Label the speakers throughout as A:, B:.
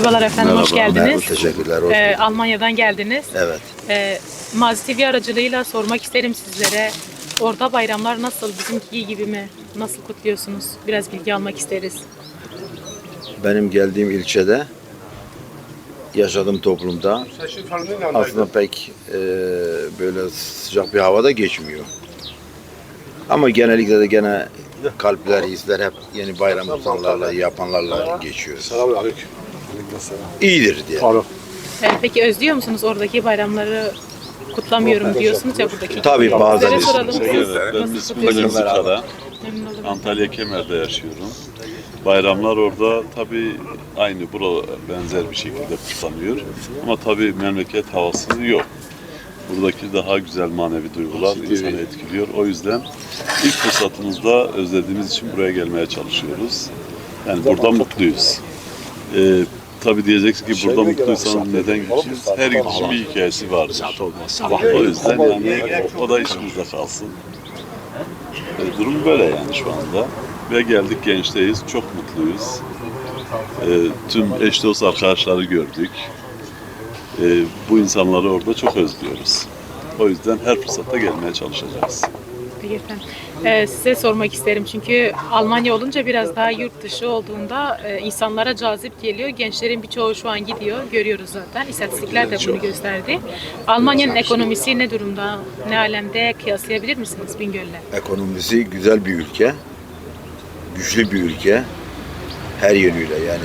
A: Merhabalar efendim, hoş
B: Merhaba,
A: geldiniz.
B: teşekkürler. Hoş bulduk.
A: Almanya'dan geldiniz.
B: Evet.
A: Mazi TV aracılığıyla sormak isterim sizlere. Orada bayramlar nasıl, bizimki gibi mi? Nasıl kutluyorsunuz? Biraz bilgi almak isteriz.
B: Benim geldiğim ilçede, yaşadığım toplumda aslında pek böyle sıcak bir havada geçmiyor. Ama genellikle de gene kalpler, hisler hep yeni bayram kutsanlarla, yapanlarla geçiyor.
C: Selamünaleyküm.
B: İyidir diye.
A: Peki özlüyor musunuz oradaki bayramları? Kutlamıyorum diyorsunuz ya buradaki.
B: Tabii,
A: gibi.
B: bazen
A: Sizlere soralım.
B: istiyoruz.
A: Siz
D: Ben
A: nasıl
D: ismim
A: kutluyorsunuz?
D: Remzi Kara.
A: Memnun olurum.
D: Antalya Kemer'de yaşıyorum. Bayramlar orada tabii aynı bura benzer bir şekilde kutlanıyor. Ama tabii memleket havası yok. Buradaki daha güzel manevi duygular insanı etkiliyor. O yüzden ilk fırsatımızda özlediğimiz için buraya gelmeye çalışıyoruz. Yani burada mutluyuz. Tabii diyeceksin ki burada mutluysanız neden gideceğiz? Her gidişin bir hikayesi vardır. O yüzden yani o da içimizde kalsın. Durum böyle yani şu anda. Ve geldik gençteyiz, çok mutluyuz. Tüm eş dost arkadaşları gördük. Bu insanları orada çok özlüyoruz. O yüzden her fırsatta gelmeye çalışacağız.
A: Peki efendim. Size sormak isterim çünkü Almanya olunca biraz daha yurt dışı olduğunda insanlara cazip geliyor. Gençlerin birçoğu şu an gidiyor. Görüyoruz zaten. İstatistikler de bunu gösterdi. Almanya'nın ekonomisi ne durumda? Ne alemde? Kıyaslayabilir misiniz Bingöl'le?
B: Ekonomisi güzel bir ülke. Güçlü bir ülke. Her yönüyle yani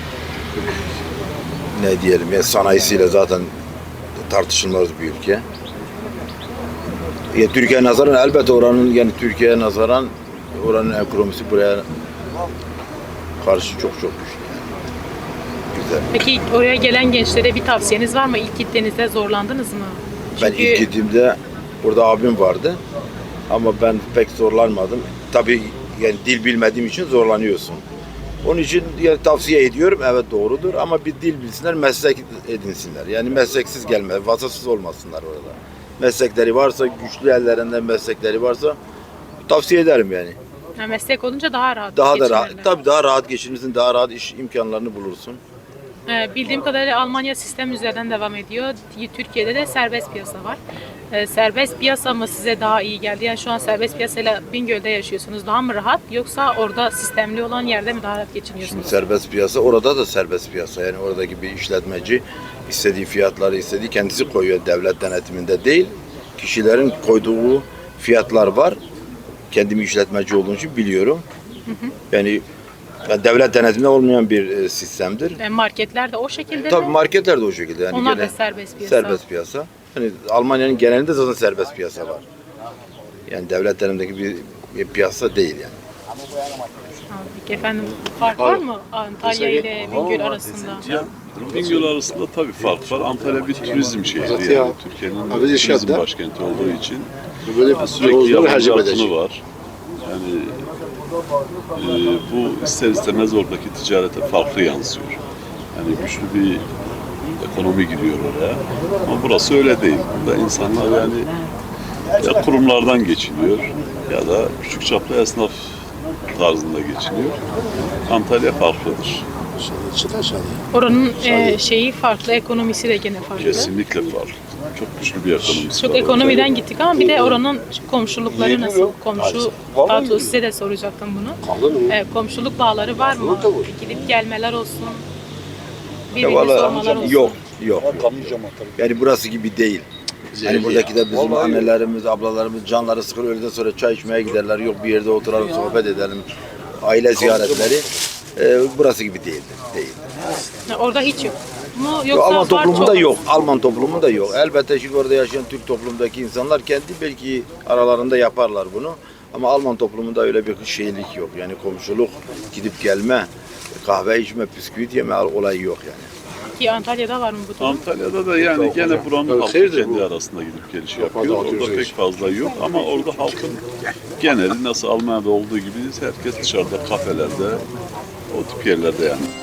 B: ne diyelim ya, sanayisiyle zaten tartışılmaz bir ülke. Ya, Türkiye'ye nazaran elbette oranın, yani Türkiye'ye nazaran oranın ekonomisi buraya karşı çok güçlü. Güzel.
A: Peki oraya gelen gençlere bir tavsiyeniz var mı? İlk gittiğinizde zorlandınız mı?
B: Ben ilk gittiğimde orada abim vardı ama ben pek zorlanmadım. Tabii yani dil bilmediğim için zorlanıyorsun. Onun için yani tavsiye ediyorum, evet doğrudur ama bir dil bilsinler, meslek edinsinler. Yani mesleksiz gelme, vasıfsız olmasınlar orada. Meslekleri varsa, güçlü ellerinden meslekleri varsa tavsiye ederim yani.
A: Ha, meslek olunca daha rahat
B: Daha da
A: geçinirler.
B: rahat, tabii daha rahat geçinirsin, daha rahat iş imkanlarını bulursun.
A: Bildiğim kadarıyla Almanya sistem üzerinden devam ediyor. Türkiye'de de serbest piyasa var. Serbest piyasa mı size daha iyi geldi? Yani şu an serbest piyasayla Bingöl'de yaşıyorsunuz. Daha mı rahat yoksa orada sistemli olan yerde mi daha rahat geçiniyorsunuz?
B: Şimdi serbest piyasa, orada da serbest piyasa. Yani oradaki bir işletmeci istediği fiyatları istediği kendisi koyuyor, devlet denetiminde değil. Kişilerin koyduğu fiyatlar var. Kendim işletmeci olduğum için biliyorum. Yani devlet denetiminde olmayan bir sistemdir.
A: Marketler de o şekilde
B: Tabii
A: mi?
B: marketler de o şekilde. Yani
A: Onlar da
B: gene
A: serbest piyasa.
B: serbest piyasa. Yani Almanya'nın genelinde zaten serbest piyasa var. Yani devlet denetimindeki bir piyasa değil yani.
A: Peki efendim fark var mı Antalya ile Bingöl arasında?
D: Bingöl arasında tabii fark var. Antalya bir turizm şehri yani. Türkiye'nin turizm başkenti olduğu için sürekli yabancı akını var. Yani bu ister istemez oradaki ticarete farklı yansıyor. Yani güçlü bir ekonomi giriyor oraya. Ama burası öyle değil. Burada insanlar yani ya kurumlardan geçiniyor ya da küçük çaplı esnaf tarzında geçiniyor. Antalya farklıdır.
A: Oranın şeyi farklı, ekonomisi de gene farklı.
D: Kesinlikle farklı. Çok güçlü bir ekonomisi
A: Çok
D: var.
A: ekonomiden gittik ama bir de oranın komşulukları nasıl? Daha doğrusu size de soracaktım bunu. Komşuluk bağları var mı? Gidip gelmeler olsun. Birbirini sormalar olsun.
B: Yok. Yani burası gibi değil. Hani buradaki de bizim annelerimiz, ablalarımız canları sıkır, öğleden sonra çay içmeye giderler. Yok bir yerde oturalım, sohbet edelim. Aile ziyaretleri. Burası gibi değildir.
A: Orada hiç yok mu? Yoksa
B: Alman
A: var,
B: toplumunda
A: çok
B: yok. Alman toplumunda yok. Elbette şimdi orada yaşayan Türk toplumdaki insanlar kendi belki aralarında yaparlar bunu. Ama Alman toplumunda öyle bir şeylik yok. Yani komşuluk, gidip gelme, kahve içme, bisküvit yeme olayı yok yani.
A: Ki Antalya'da var mı bu durum?
D: Antalya'da da yani gene buranın halkı kendi arasında gidip geliş yapıyor. Orada pek fazla yok ama orada halkın geneli nasıl Almanya'da olduğu gibi herkes dışarıda, kafelerde, o tip yerlerde yani.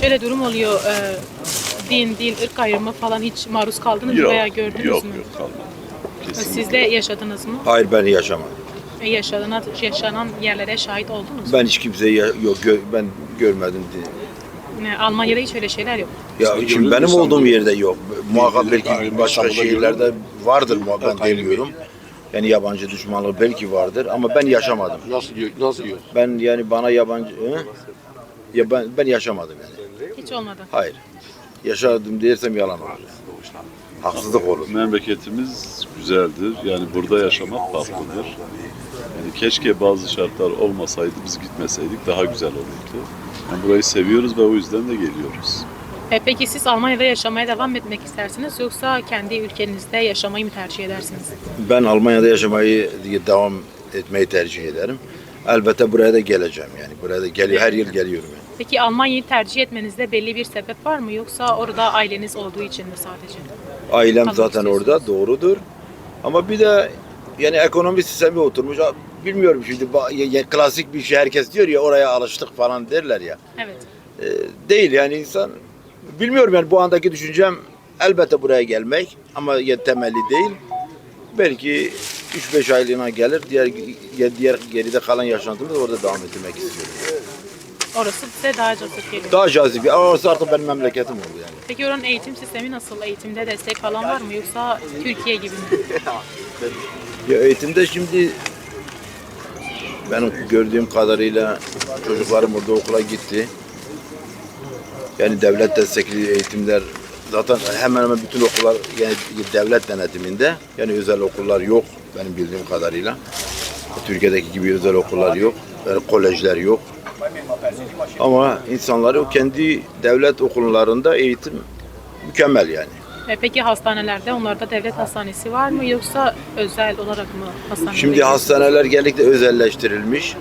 A: Şöyle durum oluyor. Din, dil, ırk ayrımı falan hiç maruz kaldınız mı
D: Yok,
A: veya gördünüz
D: yok,
A: mü?
D: yok kalmadı. Kesinlikle.
A: Siz de yaşadınız mı?
B: Hayır, ben yaşamadım.
A: Yaşanan yerlere şahit oldunuz mu?
B: Ben hiç kimseyi ben görmedim.
A: Almanya'da hiç öyle şeyler yok.
B: Ya
C: Sen
B: şimdi
C: gördün
B: benim
C: mü sen
B: olduğum
C: bunu?
B: yerde yok. Muhakkak belki
C: Ayrı
B: başka
C: İstanbul'da
B: şehirlerde
C: gördün
B: vardır muhakkak, ben
C: ayrı
B: bilmiyorum. Yani yabancı düşmanlığı belki vardır ama ben yaşamadım.
C: Nasıl yok?
B: Ben yani bana yabancı ya ben yaşamadım yani.
A: Hiç olmadı.
B: Hayır. Yaşadım dersem yalan olur. Haksızlık olur.
D: Memleketimiz güzeldir. Yani burada yaşamak farklıdır. Yani keşke bazı şartlar olmasaydı, biz gitmeseydik daha güzel olurdu. Yani burayı seviyoruz ve o yüzden de geliyoruz.
A: Peki siz Almanya'da yaşamaya devam etmek istersiniz yoksa kendi ülkenizde yaşamayı mı tercih edersiniz?
B: Ben Almanya'da yaşamayı devam etmeyi tercih ederim. Elbette buraya da geleceğim yani. Buraya da her yıl geliyorum yani.
A: Peki Almanya'yı tercih etmenizde belli bir sebep var mı yoksa orada aileniz olduğu için mi sadece?
B: Ailem
A: Kalmak
B: zaten orada,
A: istiyorsunuz.
B: doğrudur. Ama bir de yani ekonomi sistemi oturmuş. Bilmiyorum şimdi klasik bir şey, herkes diyor ya oraya alıştık falan derler ya.
A: Evet.
B: Değil yani insan, bilmiyorum yani bu andaki düşüncem elbette buraya gelmek ama temelli değil. Belki 3-5 aylığına gelir, diğer geride kalan yaşantımı da orada devam ettirmek istiyorum.
A: Orası size daha cazip geliyor.
B: Daha cazip, orası artık benim memleketim oldu yani.
A: Peki oranın eğitim sistemi nasıl? Eğitimde destek falan var mı yoksa Türkiye gibi mi?
B: Ya eğitimde şimdi benim gördüğüm kadarıyla çocuklarım orada okula gitti. Yani devlet destekli eğitimler zaten hemen hemen bütün okullar yani devlet denetiminde. Yani özel okullar yok benim bildiğim kadarıyla. Türkiye'deki gibi özel okullar yok. Yani kolejler yok. Ama insanları o kendi devlet okullarında eğitim mükemmel yani.
A: Peki hastanelerde onlarda devlet hastanesi var mı yoksa özel olarak mı hastaneler?
B: Şimdi hastaneler genellikle özelleştirilmiş.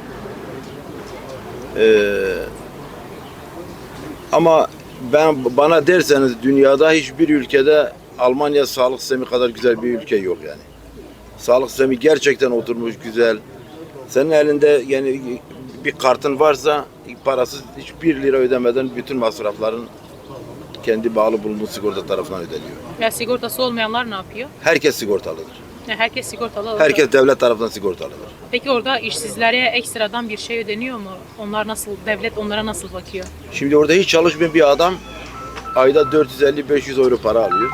B: Ama bana derseniz dünyada hiçbir ülkede Almanya sağlık sistemi kadar güzel bir ülke yok yani. Sağlık sistemi gerçekten oturmuş güzel. Senin elinde yani bir kartın varsa parasız hiçbir lira ödemeden bütün masrafların kendi bağlı bulunduğu sigorta tarafından ödeniyor.
A: Ya sigortası olmayanlar ne yapıyor?
B: Herkes sigortalıdır.
A: Ya herkes sigortalı olur.
B: Herkes devlet tarafından sigortalıdır.
A: Peki orada işsizlere ekstradan bir şey ödeniyor mu? Onlar nasıl, devlet onlara nasıl bakıyor?
B: Şimdi orada hiç çalışmayan bir adam ayda 450-500 euro para alıyor.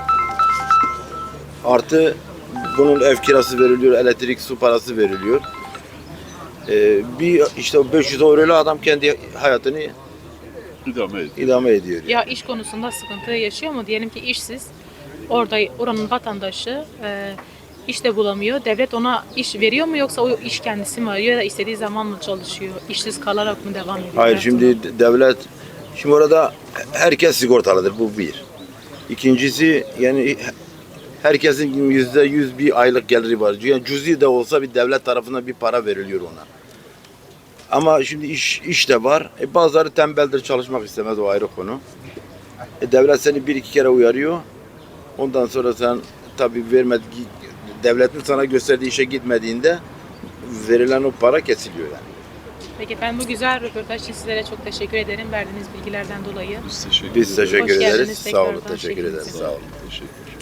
B: Artı bunun ev kirası veriliyor, elektrik, su parası veriliyor. Bir işte o 500 euroyla adam kendi hayatını idame ediyor. Yani.
A: Ya iş konusunda sıkıntı yaşıyor mu? Diyelim ki işsiz, oranın vatandaşı iş de bulamıyor. Devlet ona iş veriyor mu yoksa o iş kendisi mi arıyor ya da istediği zaman mı çalışıyor? İşsiz kalarak mı devam ediyor?
B: Hayır şimdi devlet, şimdi orada herkes sigortalıdır, bu bir. İkincisi yani herkesin %100 bir aylık geliri var. Yani cüzi de olsa bir devlet tarafından bir para veriliyor ona. Ama şimdi iş de var. Bazıları tembeldir, çalışmak istemez, o ayrı konu. Devlet seni bir iki kere uyarıyor. Ondan sonra sen tabii devletin sana gösterdiği işe gitmediğinde verilen o para kesiliyor yani.
A: Peki ben bu güzel röportaj için sizlere çok teşekkür ederim verdiğiniz bilgilerden dolayı.
D: Biz teşekkür
B: Biz
D: ederiz.
B: teşekkür
A: Hoş geldiniz
B: ederiz. Sağ olun,
A: tekrardan
B: teşekkür ederiz.
A: şeklinize.
B: Sağ olun.
D: Teşekkür.